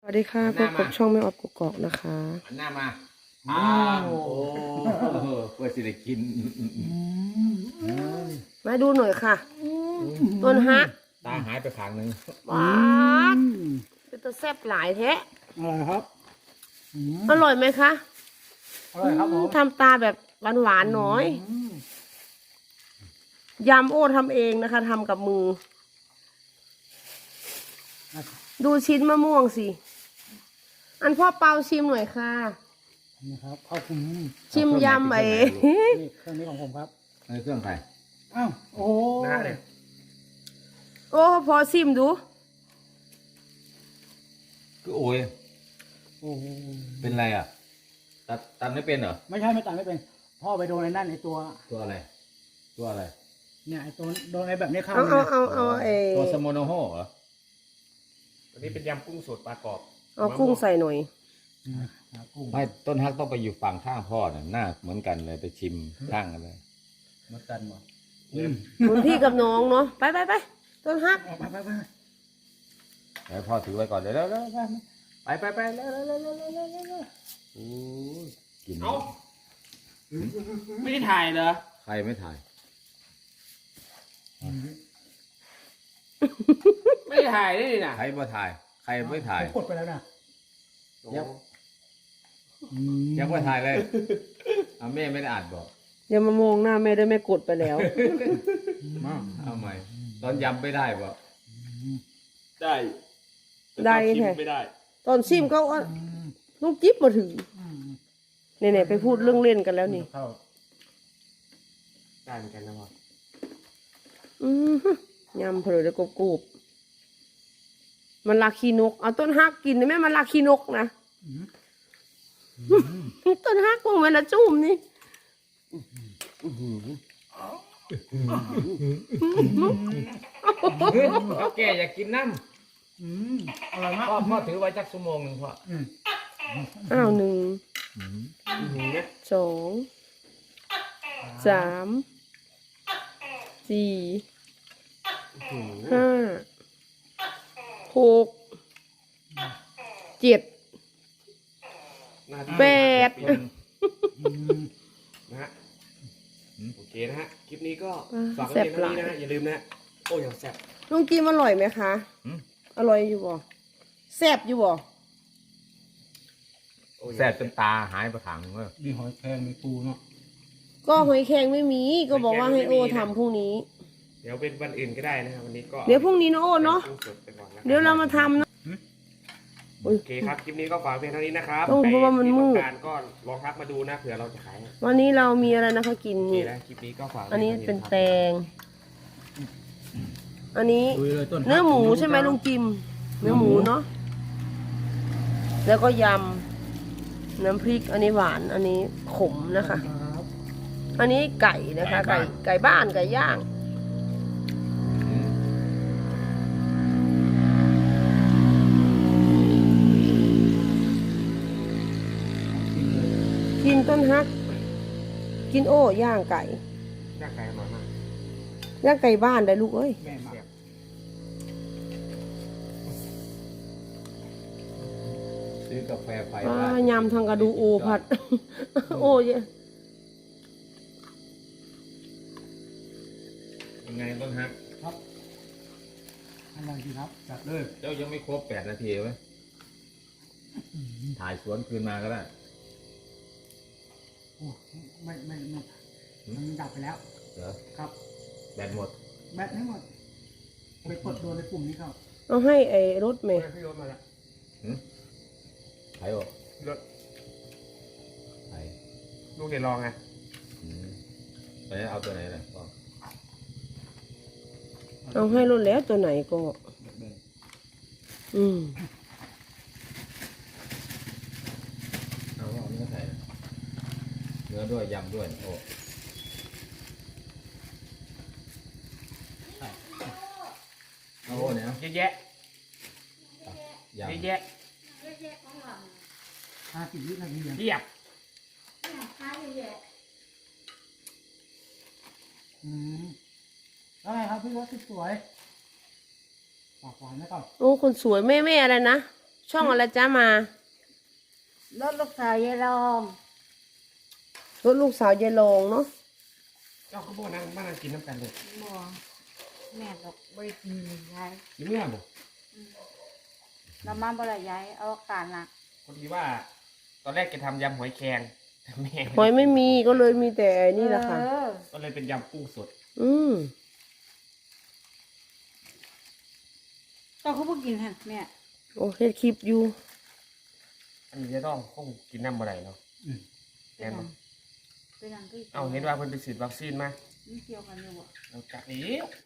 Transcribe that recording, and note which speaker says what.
Speaker 1: สวัสดีค่ะพบกับช่องไม่ออกกุกกอกนะคะ
Speaker 2: หันหน้ามาอ้าวโอ้เพื่อสิได้กิน
Speaker 1: มาดูหน่อยค่ะต้นฮัก
Speaker 2: ตาหายไปข้างหนึ่ง
Speaker 1: ว้าเป็นตัวแซ่บหลายแท้
Speaker 3: อร่อยครับ
Speaker 1: อร่อยไหมคะ
Speaker 3: อร่อยครับผม
Speaker 1: ทำตาแบบหวานๆหน่อยยำโอ้ทำเองนะคะทำกับมือดูชิ้นมะม่วงสิอันพ่อเปาชิมหน่อยค่ะ
Speaker 3: นี่ครับข้าวคุม
Speaker 1: ชิมยำไอ้
Speaker 3: นี่เครื่องนี้ของผมครับ
Speaker 2: เครื่องใคร
Speaker 3: อ้าวโอ้
Speaker 2: หน้าเลย
Speaker 1: โอ้พอชิมดู
Speaker 2: คือโอ้ยเป็นไรอ่ะตัดไม่เป็นเหรอ
Speaker 3: ไม่ใช่ไม่ตัดไม่เป็นพ่อไปโดนไอ้นั่นไอ้ตัว
Speaker 2: อะไรตัวอะไร
Speaker 3: เนี่ยไอ้ตัวโดนไอ้แบบนี้เข้า
Speaker 1: เอา
Speaker 2: ตัวสโมโนโฮเหรอ
Speaker 4: อันนี้เป็นยำกุ้งสดปลากรอบ
Speaker 1: เอากุ้งใส่หน่อย
Speaker 2: ไม่ต้นฮักต้องไปอยู่ฝั่งข้างพ่อน่ะหน้าเหมือนกันเลยไปชิมข้างกันเลย
Speaker 3: เหมือนกันหมด
Speaker 1: เหมือนพี่กับน้องเนาะไปต้นฮัก
Speaker 2: ไปพ่อถือไว้ก่อนเดี๋ยวไปเร็วโอ้กิน
Speaker 4: เอ้าไม่ได้ถ่ายเหรอ
Speaker 2: ใครไม่ถ่าย
Speaker 4: ไม่ได้ถ่ายได้ดินะ
Speaker 2: ใครไม่ถ่ายใครไม่ถ่าย
Speaker 3: กดไปแล้วนะ
Speaker 2: ยังไม่ถ่ายเลยแม่ไม่ได้อ่านบอก
Speaker 1: อย่ามามองหน้าแม่ด้วยแม่กดไปแล้ว
Speaker 2: เอาใหม่ตอนยำไม่ได้บอก
Speaker 4: ได้
Speaker 1: แท้
Speaker 4: ไม่ได้
Speaker 1: ตอนซิมก็ลูกจิ๊บมาถึงเนี่ยไปพูดเรื่องเล่นกันแล้วนี่
Speaker 4: ได้เหมือนกันนะพ่
Speaker 1: อยำเผลอจะกรูบมันลาคีนกเอาต้นฮักกินได้ไหมมันลาคีนกนะต้นฮักมันละจุ่มนี่
Speaker 2: แกอยากกินน้ำ
Speaker 3: อร่อยมาก
Speaker 2: พ่อถือไว้จักชั่วโมงหนึ่งพ่อ
Speaker 1: อ้าว1 2 3 4 5 6 7 8
Speaker 4: นะฮะโอเคนะฮะคลิปนี้ก็ฝากไว้เพียงเท่านี้นะฮะอย่าลืมนะโอ้ยแซ่บ
Speaker 1: ลุงกิมอร่อยไหมคะอร่อยอยู่บ่แซ่บอยู่บ่
Speaker 2: แซ่บจนตาหายไปถังเลย
Speaker 3: มีหอยแครงมีปูเนาะ
Speaker 1: ก็หอยแครงไม่มีก็บอกว่าให้โอทำพรุ่งนี้
Speaker 4: เดี๋ยวเป็นวันอื่นก็ได้นะครับวันนี้ก็
Speaker 1: เดี๋ยวพรุ่งนี้นะโอเนาะเดี๋ยวเรามาทำนะ
Speaker 4: โอเคครับคลิปนี้ก็ฝากเพียงเท่านี้นะครับ
Speaker 1: เพราะว่ามันมืด
Speaker 4: ก็ลองทักมาดูนะเผื่อเราจะขาย
Speaker 1: วันนี้เรามีอะไรนะคะกินนี่
Speaker 4: คลิปนี้ก็ฝาก
Speaker 1: อันนี้เป็นแตงอันนี้เนื้อหมูใช่ไหมลุงจิมเนื้อหมูเนาะแล้วก็ยำน้ำพริกอันนี้หวานอันนี้ขมนะคะอันนี้ไก่นะคะไก่บ้านไก่ย่างกินต้นฮักกินโอ้ย่างไก่
Speaker 4: ย่างไก่อร่อยมาก
Speaker 1: ย่างไก่บ้านได้ลูกเอ้ย
Speaker 2: ซื้อกาแฟไฟ
Speaker 1: ยำทางกระดูโอผัดโอ้ย
Speaker 2: ยังไงต้นฮัก
Speaker 3: ครับอะไรดีครับจัดเลย
Speaker 2: เจ้ายังไม่ครบ8 นาทีไหมถ่ายสวนคืนมาก็ได้
Speaker 3: โอ้ไม่มันดับไปแล้ว
Speaker 2: เหรอ
Speaker 3: ครับ
Speaker 2: แบตหมด
Speaker 3: ทั้งหมดไปกดโดนในปุ่มนี้เขา
Speaker 1: เอาให้ไอ้รถเมย์
Speaker 4: พี่รถมาแล้ว
Speaker 2: ใครบอก
Speaker 4: รถ
Speaker 2: ใคร
Speaker 4: ลูกเดี๋ยวลองไง
Speaker 2: ไปเอาตัวไหนเลยพ่อ
Speaker 1: เอาให้รถแล้วตัวไหนก็
Speaker 2: เอาเนื้อใส่เนื้อด้วยยำด้วยโอ้เอาเนี่ย
Speaker 4: เยอะแยะ
Speaker 3: 50 วินาที
Speaker 4: เทียบ
Speaker 3: แล้วไงครับพี่รถสวยปากหวานไหมก่อน
Speaker 1: โอ้คนสวยแม่อะไรนะช่องอะไรจ้ามาร
Speaker 5: ถลูกสาวยายรอง
Speaker 1: รถลูกสาวยายรองเนาะ
Speaker 4: เจ้าเขาบอกนั่งมานั่งกินน้ำกันเลย
Speaker 5: บ่แม่ดอกบริกินยาย
Speaker 4: กินเมื่อบ่
Speaker 5: เรามาบ่ได้ยายเอาการละ
Speaker 4: พอดีว่า ตอนแรกจะทำยำหอยแครงแต่แม่
Speaker 1: หอยไม่มีก็เลยมีแต่นี่แหละค่ะ
Speaker 4: ก็เลยเป็นยำกุ้งสด
Speaker 1: อืม
Speaker 5: เจ้าเขาบ่กินฮะแม่
Speaker 1: โอเคคลิปอยู่
Speaker 4: อันนี้จะต้องคงกินน้ำอะไรเนาะ
Speaker 5: เป็นหยังเป็นหยังก็
Speaker 4: เอาเห็นว่าเพิ่นไปฉีดวัคซีนมา
Speaker 5: มันเกี่ยวกันอยู่บ่
Speaker 4: เราจักนี้